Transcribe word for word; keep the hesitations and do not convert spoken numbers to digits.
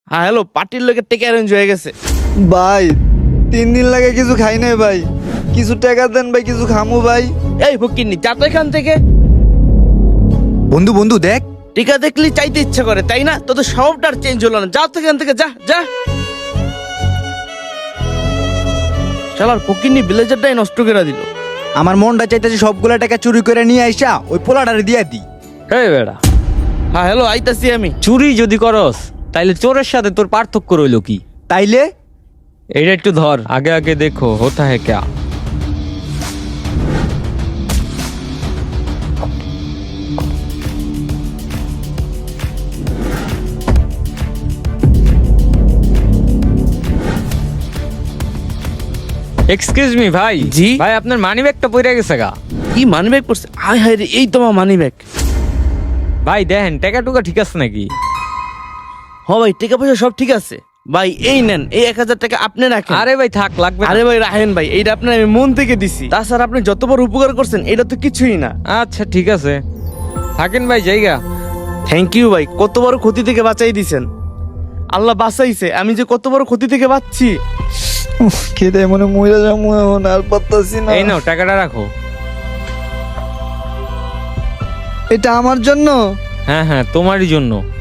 হ্যাঁ হ্যালো, পার্টির লোকের টেকে অ্যারেঞ্জ হয়ে গেছে। ভাই তিন দিন লাগে কিছু খাই নাই ভাই, কিছু টাকা দেন ভাই, কিছু খামু ভাই। এই ফকিন্নি, যা তো এখান থেকে। বন্ধু বন্ধু দেখ, টিকা দেখলি চাইতে ইচ্ছা করে, তাই না? তোদের স্বভাবটা আর চেঞ্জ হলো না। যা তো এখান থেকে, যা যা। শালার ফকিন্নি ব্লেজারটাই নষ্ট করে দিল। আমার মনটা চাইতেছে সবগুলা টাকা চুরি করে নিয়ে আইসা ওই পোলাটারে দিয়া দি। এই বেড়া, হ্যাঁ হ্যালো, আইতাছি আমি। চুরি যদি করস তাইলে চোরের সাথে তোর পার্থক্য রইল কি? তাইলে এইটা একটু ধর, আগে আগে দেখো হোতা হে ক্যা। এক্সকিউজ মি ভাই। জি? ভাই আপনার মানি ব্যাগটা পড়ে গেছে গা। কি মানি ব্যাগ পড়ছে? আয় হায় রে, এই তোমার মানি ব্যাগ। ভাই দেখেন টাকা টুকা ঠিক আছে নাকি? হ ভাই, টাকা পয়সা সব ঠিক আছে ভাই। এই নেন, এই এক হাজার টাকা আপনি রাখেন। আরে ভাই থাক, লাগবে না। আরে ভাই রাখেন ভাই, এইটা আপনার আমি মন থেকে দিছি। তাছাড়া আপনি যত বড় উপকার করছেন এটা তো কিছুই না। আচ্ছা ঠিক আছে, থাকেন ভাই জায়গা। থ্যাংক ইউ ভাই, কত বড় ক্ষতি থেকে বাঁচাই দিছেন। আল্লাহ বাঁচাইছে, আমি যে কত বড় ক্ষতি থেকে বাঁচছি। খেতে মনে মহিলা যাবো এখন, আর পারতাছি না। এই নাও টাকাটা রাখো। এটা আমার জন্য। হ্যাঁ হ্যাঁ তোমারই জন্য।